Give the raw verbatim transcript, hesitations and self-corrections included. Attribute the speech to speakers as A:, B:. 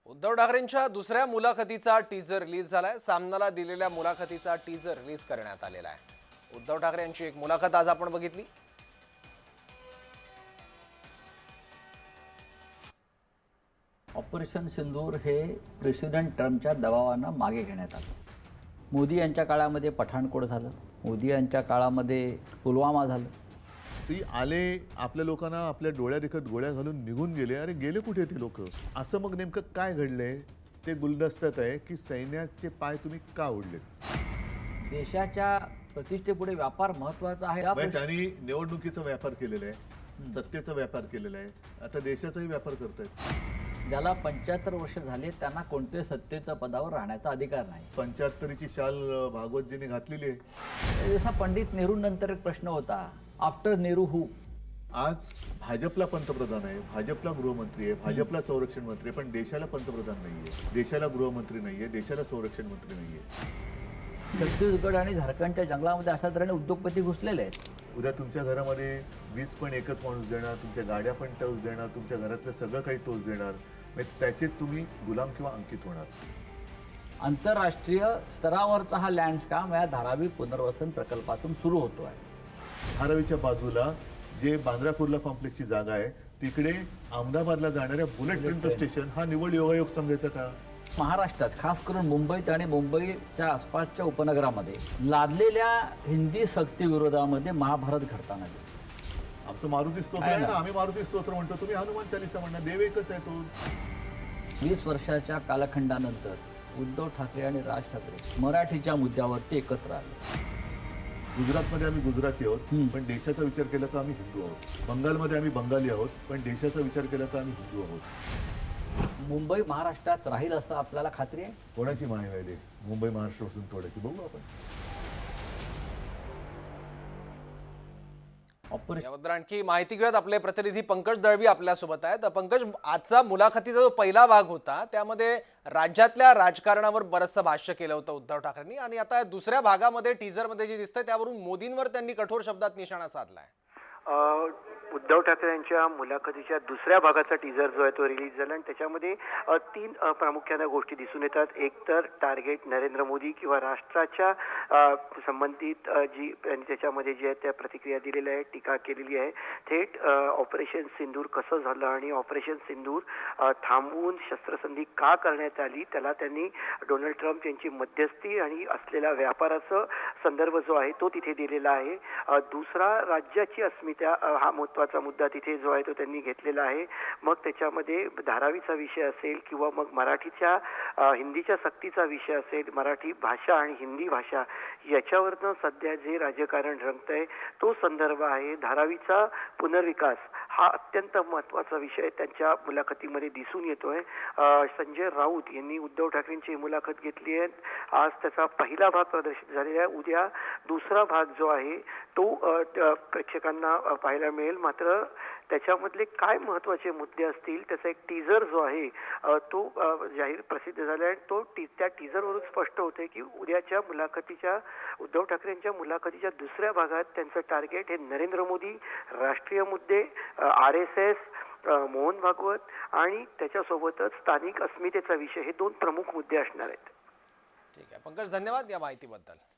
A: उद्धव ठाकरेंच्या दुसऱ्या मुलाखतीचा टीजर रिलीज झालाय। सामनाला दिलेल्या मुलाखतीचा टीजर रिलीज करण्यात आलेला आहे। उद्धव ठाकरे यांची एक मुलाखत आज आपण बघितली।
B: ऑपरेशन सिंदूर हे प्रेसिडेंट ट्रम्पच्या दबावानं मागे घेण्यात आलं। मोदी यांच्या काळामध्ये पठाणकोट झालं, मोदी यांच्या काळामध्ये पुलवामा झालं।
C: ती आले, आपल्या लोकांना आपल्या डोळ्या देखत गोळ्या घालून निघून गेले। अरे गेले कुठे ते लोक? असं मग नेमकं काय घडलंय ते गुलदस्त्यात आहे की सैन्याचे पाय तुम्ही का ओढले?
B: देशाच्या प्रतिष्ठेपुढे व्यापार महत्त्वाचा आहे।
C: म्हणजे त्यांनी निवडणुकीचा व्यापार केलेला आहे, सत्तेचा व्यापार केलेला आहे, आता देशाचाही व्यापार करतायत।
B: ज्याला पंच्याहत्तर वर्ष झाले त्यांना कोणत्याही सत्तेच्या पदावर राहण्याचा अधिकार नाही।
C: पंच्याहत्तरीची शाल भागवतजींनी घातलेली आहे।
B: जसा पंडित नेहरू नंतर एक प्रश्न होता, आफ्टर नेहरू हू?
C: आज भाजपला पंतप्रधान आहे, भाजपला गृहमंत्री आहे, भाजपला संरक्षण मंत्री आहे, पण देशाला पंतप्रधान नाहीये, देशाला गृहमंत्री नाहीये, देशाला संरक्षण मंत्री नाहीये।
B: छत्तीसगड आणि झारखंडच्या जंगलामध्ये अशा तऱ्हेने उद्योगपती घुसलेले आहेत।
C: उद्या तुमच्या घरामध्ये वीज पण एकच माणूस देणार, तुमच्या गाड्या पण तोच देणार, तुमच्या घरातलं सगळं काही तोच देणार, त्याचे तुम्ही गुलाम किंवा अंकित होणार।
B: आंतरराष्ट्रीय स्तरावरचा हा लँडस्काम या धारावी पुनर्वसन प्रकल्पातून सुरू होतो आहे।
C: धारावीच्या बाजूला जे बांद्रा कुर्ला कॉम्प्लेक्सची जागा आहे तिकडे अहमदाबादला जाणाऱ्या बुलेट ट्रेनचं स्टेशन हा निवड योगायोग समजायचा का?
B: महाराष्ट्रात खास करून मुंबईत आणि मुंबईच्या आसपासच्या उपनगरामध्ये लादलेल्या हिंदी सक्ती विरोधामध्ये महाभारत घडताना दिसतं।
C: आमचं मारुती स्तोत्र आहे ना, आम्ही मारुती स्तोत्र म्हणतो, तुम्ही हनुमान चालीसा म्हणणार, देव एकच आहे तो।
B: वीस वर्षाच्या कालखंडानंतर उद्धव ठाकरे आणि राज ठाकरे मराठीच्या मुद्द्यावरती एकत्र आले।
C: गुजरातमध्ये आम्ही गुजराती आहोत पण देशाचा विचार केला तर आम्ही हिंदू आहोत। बंगालमध्ये आम्ही बंगाली आहोत पण देशाचा विचार केला तर आम्ही हिंदू आहोत।
B: मुंबई महाराष्ट्रात राहील असं आपल्याला खात्री आहे?
C: कोणाची माहिती आहे? मुंबई महाराष्ट्रापासून तोडायची, बघू आपण।
A: याबद्दल आणखी माहिती घेऊयात। आपले प्रतिनिधी पंकज दळवी आपल्यासोबत आहेत। पंकज, आजचा मुलाखतीचा जो पहिला भाग होता त्यामध्ये राज्यातल्या राजकारणावर बरंचसं भाष्य केलं होतं उद्धव ठाकरेंनी, आणि आता दुसऱ्या भागामध्ये टीजरमध्ये जे दिसतंय त्यावरून मोदींवर त्यांनी कठोर शब्दात निशाणा साधलाय।
D: उद्धव ठाकरे यांच्या मुलाखतीच्या दुसऱ्या भागाचा टीजर जो आहे तो रिलीज झाला आणि त्याच्यामध्ये तीन प्रामुख्याने गोष्टी दिसून येतात। एक तर टार्गेट नरेंद्र मोदी किंवा राष्ट्राच्या संबंधित जी त्याच्यामध्ये जी आहे त्या प्रतिक्रिया दिलेल्या आहे, टीका केलेली आहे। थेट ऑपरेशन सिंदूर कसं झालं आणि ऑपरेशन सिंदूर थांबवून शस्त्रसंधी का करण्यात आली, त्याला त्यांनी डोनाल्ड ट्रम्प यांची मध्यस्थी आणि असलेला व्यापाराचा संदर्भ जो आहे तो तिथे दिलेला आहे। दुसरा, राज्याची अस्मिता हा महत्त्वाचा मुद्दा तिथे जो आहे तो त्यांनी घेतलेला आहे। मग त्याच्यामध्ये धारावीचा विषय असेल किंवा मग मराठीच्या हिंदीच्या सक्तीचा विषय असेल, मराठी भाषा आणि हिंदी भाषा याच्यावरनं सध्या जे राजकारण रंगतंय तो संदर्भ आहे। धारावीचा पुनर्विकास हा अत्यंत महत्त्वाचा विषय त्यांच्या मुलाखतीमध्ये दिसून येतोय। संजय राऊत यांनी उद्धव ठाकरेंची मुलाखत घेतली आहे। आज त्याचा पहिला भाग प्रदर्शित झालेला आहे। उद्या दुसरा भाग जो आहे तो प्रेक्षकांना पाहायला मिळेल। मात्र त्याच्यामधले काय महत्त्वाचे मुद्दे असतील त्याचा एक टीजर जो आहे तो जाहीर प्रसिद्ध झाला आहे। तो टी त्या टीजरवरून स्पष्ट होते की उद्याच्या मुलाखतीच्या उद्धव ठाकरेंच्या मुलाखतीच्या दुसऱ्या भागात त्यांचं टार्गेट हे नरेंद्र मोदी, राष्ट्रीय मुद्दे, R S S, Mohan Bhagwat आणि त्याच्यासोबतच स्थानिक अस्मितेचा विषय हे दोन प्रमुख मुद्दे असणार आहेत।
A: ठीक आहे पंकज, धन्यवाद या माहितीबद्दल।